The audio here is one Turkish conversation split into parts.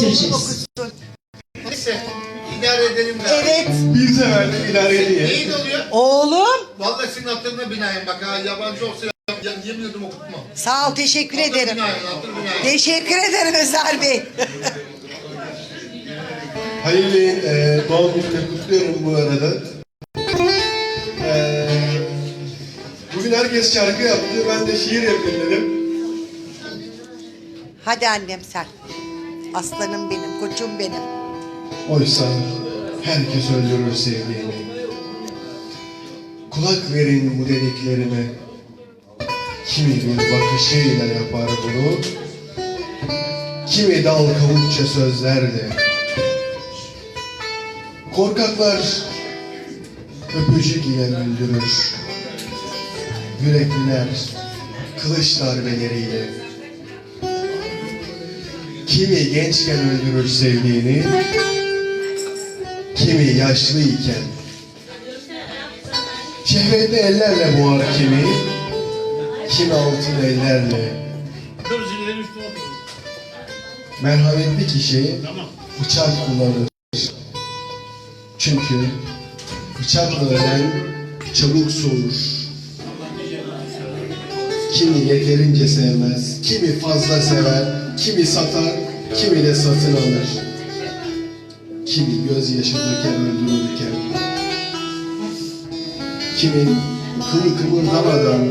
göreceğiz. Neyse idare edelim galiba. Evet. Bir seferlik idare ediyor. Neyin oluyor? Oğlum. Vallahi senin hatırına binaen bak ha, yabancı olsa yemin ediyorum okutmam. Sağ ol, teşekkür Hatır ederim. binaen, hatır binaen. Teşekkür ederim Özer Bey. Halil Bey'in doğum gününü kutluyorum bu arada. Bugün herkes şarkı yaptı, ben de şiir yapayım dedim. Hadi annem sen. Aslanım benim, koçum benim. Oysa herkes öldürür sevdiğini. Kulak verin bu dediklerime. Kimi bir bakışıyla yapar bunu. Kimi dal kavukça sözlerle. Korkaklar öpücük ile öldürür. Yürekliler kılıç darbeleriyle. Kimi gençken öldürür sevdiğini, kimi yaşlıyken. Şehvetli ellerle boğar kimi altın ellerle. Merhametli kişi bıçak kullanır. Çünkü bıçakla ölen çabuk soğur. Kimi yeterince sevmez, kimi fazla sever, kimi satar, kimi de satın alır. Kimi gözyaşı döker öldürürken, kimi kılı kımıldamadan.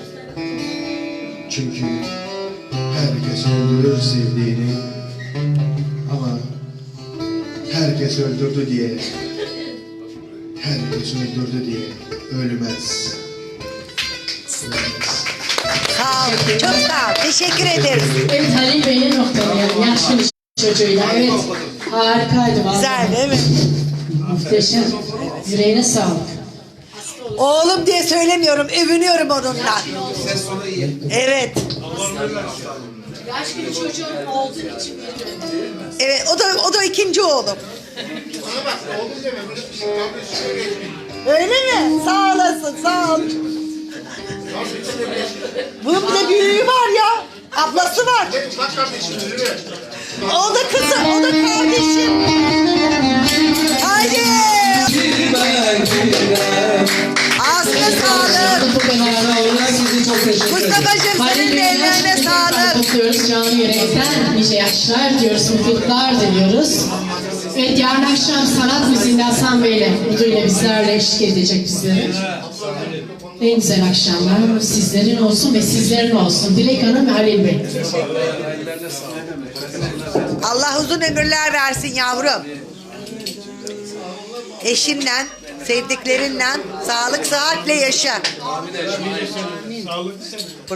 Çünkü herkes öldürür sevdiğini, ama herkes öldürdü diye, herkes öldürdü diye ölmez. Ölmez. Sağ ol, çok sağ ol. Teşekkür ederiz. Evet, Halil Bey'le noktalayalım. Yaşlı bir çocuğuyla. Evet, harikaydı vallahi. Güzel değil mi? Muhteşem. Yüreğine sağlık. Oğlum diye söylemiyorum, övünüyorum onunla. Evet. Yaşlı bir çocuğun olduğu için Evet, o da ikinci oğlum. Bana bak oğlum deme, böyle bir şey kardeşim öyle etmeyin. Öyle mi? Sağ olasın, sağ ol. Bunun bir de büyüğü var ya. Ablası var. Bak kardeşim yürü. O da kızım, o da kardeşim. Haydi. Ağzına sağlık. Bu kadar olarak sizi çok teşekkür ederim. Mustafa'cığım, senin de ellerine sağlık. Kutluyoruz canı yürekten. Nice yaşlar diyoruz, mutluluklar diliyoruz. Evet, yarın akşam sanat müziğinde Hasan Bey'le, Udu'yla bizlerle eşlik edecek bizlere. En güzel akşamlar sizlerin olsun ve sizlerin olsun. Dilek Hanım ve Halil Bey. Allah uzun ömürler versin yavrum. Eşinle, sevdiklerinle sağlık sıhhatle yaşa.